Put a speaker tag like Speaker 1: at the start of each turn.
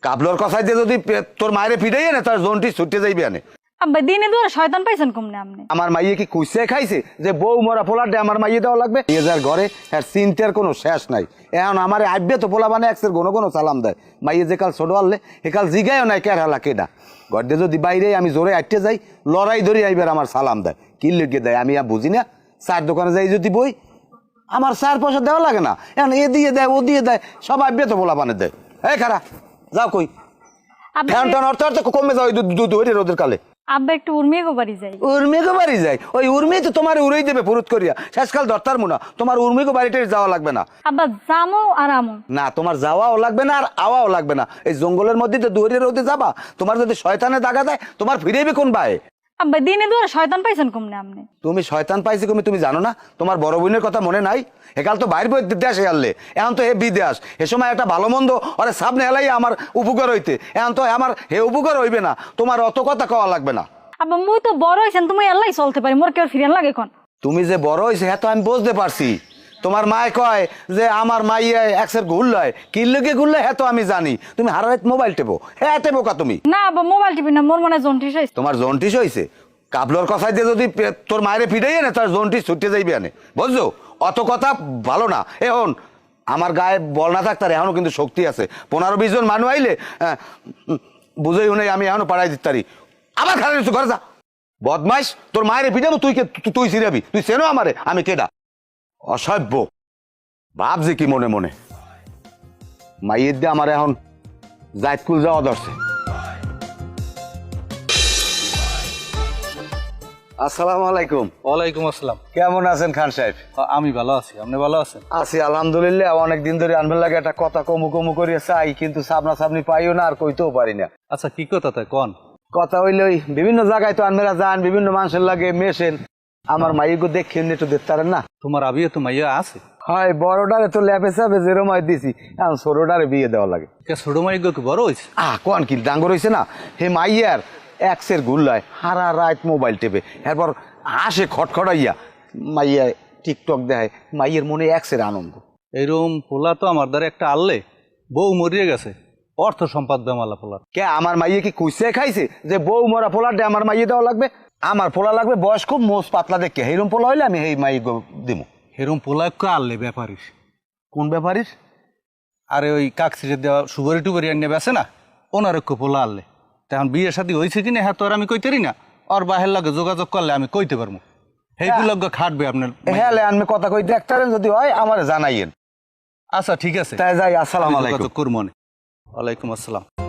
Speaker 1: কাবলর কথায় দিয়ে যদি তোর মায়ের পিটাই না তার জোনটি ছুটে যাইবে আনে।
Speaker 2: আব্বা দিনে দুয়ার শয়তান পাইছেন কমনে আপনি?
Speaker 1: আমার মাইয়ে কি কুইসে খাইছে যে বউ মরা পোলাটে আমার মাইয়ে দেওয়া লাগবে? যার ঘরে আর চিন্তার কোনো শেষ নাই। এখন আমার আইবে তো পোলা মানে একসের কোনো কোনো সালাম দেয়। মাইয়ে যে কাল ছোট আনলে একাল জিগায়ও নাই কেরালা কেডা। ঘর দিয়ে যদি বাইরে আমি জোরে আটতে যাই লড়াই ধরি আইবার আমার সালাম দেয়। কি লেগে দেয় আমি আর বুঝি না। চার দোকানে যাই যদি বই আমার 4 পয়সা দেওয়া লাগে না। এখন এ দিয়ে দেয় ও দিয়ে দেয় সব আইবে তো পোলা বানে দেয়। এই খারা যাও কই ফ্যান টান অর্থ অর্থ কমে যাও দুধ রোদের কালে।
Speaker 2: আব্বা একটু উর্মিয়ে গো বাড়ি যাই।
Speaker 1: উর্মিগো বাড়ি যাই? ওই উর্মি তো তোমার উড়াই দেবে পুরুত করিয়া শেষকাল দরতার মুনা। তোমার উর্মিগো বাড়িতে যাওয়া লাগবে না।
Speaker 2: আব্বা জামো আর আমো
Speaker 1: না তোমার যাওয়াও লাগবে না আর আওয়াও লাগবে না। এই জঙ্গলের মধ্যে তো দুয়ারে রোদে যাবা। তোমার যদি শয়তানে দাগা দেয় তোমার ফিরেবে কোন ভাই?
Speaker 2: আব্বা দিনে দুয়ার শয়তান পাইছেন কমনে আপনি?
Speaker 1: তুমি শয়তান পাইছি তুমি জানো না? তোমার বড় বোনের কথা মনে নাই? একাল তো বাইর বই দেশে আনলে এখন তো হে বিদেশ। এ সময় একটা ভালো মন্দ ওরে সামনে এলাই আমার উপকার হইতে। এখন তো আমার হে উপকার হইবে না। তোমার অত কথা কওয়া লাগবে না।
Speaker 2: আব্বা মুই তো বড় হইছেন তুমি আল্লাহ চলতে পারি মোর কেউ ফিরেন লাগে এখন।
Speaker 1: তুমি যে বড় হয়েছে হ্যাঁ তো আমি বুঝতে পারছি। তোমার মায় কয় যে আমার মাইয়া একসের ঘুরলয় কি লেগে ঘুরলে হ্যাঁ তো আমি জানি। তুমি হারাইত মোবাইল টেপো হ্যাঁ টেপো কা তুমি?
Speaker 2: না আব্বা মোবাইল টিপি না মোর মনে হয় জন্টিস হইছে।
Speaker 1: তোমার জন্টিস হয়েছে? কাবলর কথায় দিয়ে যদি তোর মায়ের পিটাই না তার জন্টিস ছুটে যাইবে আনে বুঝছো? অত কথা ভালো না। এখন আমার গায়ে বল না থাকতার এখনো কিন্তু শক্তি আছে। 15-20 জন মানুষ আইলে বুঝেই শুনে আমি এখনো পাড়াই দিতে পারি। আবার খারাপ কিছু ঘরে যা বদমাইশ। তোর মায়ের পিটাবো তুই ছিড়াবি? তুই চেনো আমারে আমি কেডা? অসভ্য ভাবছি কি মনে মনে। মাইয়ের দিয়ে আমার এখন জায়দকুল যাওয়া দরছে। আসসালামু আলাইকুম।
Speaker 3: ওয়ালাইকুম আসসালাম।
Speaker 1: কেমন আছেন খান সাহেব?
Speaker 3: আমি ভালো আছি, আপনি ভালো আছেন?
Speaker 1: আছি আলহামদুলিল্লাহ। অনেকদিন ধরে আনবেন লাগে একটা কথা কমু কমু করিয়ে চাই কিন্তু সামনা সামনি পাইও না আর কইতেও পারি না।
Speaker 3: আচ্ছা কি কথা তাই কন?
Speaker 1: কথা হইলে ওই বিভিন্ন জায়গায় তো আনবেরা যান বিভিন্ন মানুষের লাগে মেশেন। আমার মাইগো দেখেন একটু দেখতে পারেন না?
Speaker 3: তোমার আবিয়ে তো মাইয়া আছে?
Speaker 1: হয় বড়টারে তো ল্যাপে চাপে যেরমাই দিছি এখন ছোটটারে বিয়ে দেওয়া লাগে।
Speaker 3: ছোট মাইগো কি বড় হয়েছে?
Speaker 1: কোন কি ডাঙ্গর হয়েছে না? হে মাইয়ার এক্সের গুল্লায় হারা রাত মোবাইল টেপে এরপর হাসে খটখটাইয়া মাইয়া টিকটক দেয়। মাইয়ের মনে এক্সের আনন্দ।
Speaker 3: এইরকম পোলা তো আমার দ্বারা একটা আনলে বউ মরিয়ে গেছে অর্থ সম্পাদ বেমালা পোলার।
Speaker 1: কে আমার মাইয়ে কি কুইসে খাইছে যে বউ মরা পোলাটে আমার মাইয়ে দেওয়া লাগবে? আমার পোলা লাগবে বয়স খুব মোষ পাতলা দেখে। এইরকম পোলা হইলে আমি এই মাই দিমু।
Speaker 3: এরকম পোলা একটু আনলে ব্যাপারিস।
Speaker 1: কোন ব্যাপারিস?
Speaker 3: আরে ওই কাকসিরে দেওয়া সুগরি টুগরি আনিয়ে বেছে না ওনার একটু পোলা আনলে তখন বিয়ের সাথে হয়েছে কিনা হ্যাঁ তো আর আমি কইতেরি না। আর বাহের লাগে যোগাযোগ করলে আমি কইতে পারবো। সেইগুলো খাটবে আপনার।
Speaker 1: হ্যাঁ আমি কথা কই দেখতারেন যদি হয় আমার জানাইয়েন।
Speaker 3: আচ্ছা ঠিক আছে
Speaker 1: তাই যাই। আসসালামু আলাইকুম।
Speaker 3: করবো। ওয়ালাইকুম আসসালাম।